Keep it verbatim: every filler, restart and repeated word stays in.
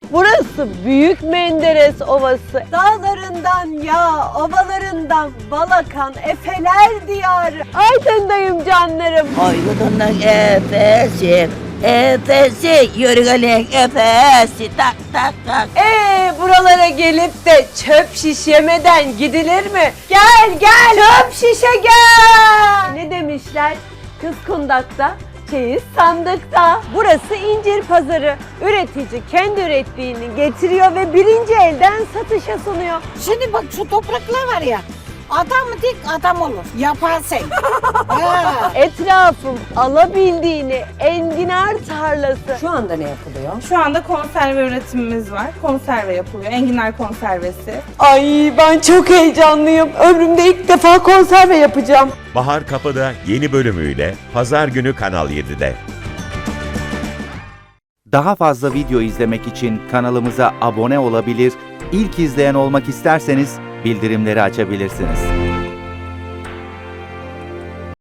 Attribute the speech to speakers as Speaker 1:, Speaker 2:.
Speaker 1: Burası Büyük Menderes Ovası. Dağlarından yağ, ovalarından bal akan Efeler diyarı. Aydın'dayım canlarım.
Speaker 2: Aydın'ın efesi, efesi, yörügenin efesi, tak tak tak.
Speaker 1: Ee, buralara gelip de çöp şiş yemeden gidilir mi? Gel gel çöp şişe gel. Ne demişler? Kız kundakta, çeyiz sandıkta. Burası incir pazarı. Üretici kendi ürettiğini getiriyor ve birinci elden satışa sunuyor.
Speaker 3: Şimdi bak şu topraklar var ya, adam dik adam olur. Yaparsın. Ha.
Speaker 1: Etrafım alabildiğini enginar tarlası. Şu anda ne yapılıyor?
Speaker 4: Şu anda konserve üretimimiz var. Konserve yapılıyor. Enginar konservesi.
Speaker 1: Ay ben çok heyecanlıyım. Ömrümde ilk defa konserve yapacağım.
Speaker 5: Bahar Kapı'da yeni bölümüyle Pazar günü Kanal yedide.
Speaker 6: Daha fazla video izlemek için kanalımıza abone olabilir, ilk izleyen olmak isterseniz bildirimleri açabilirsiniz.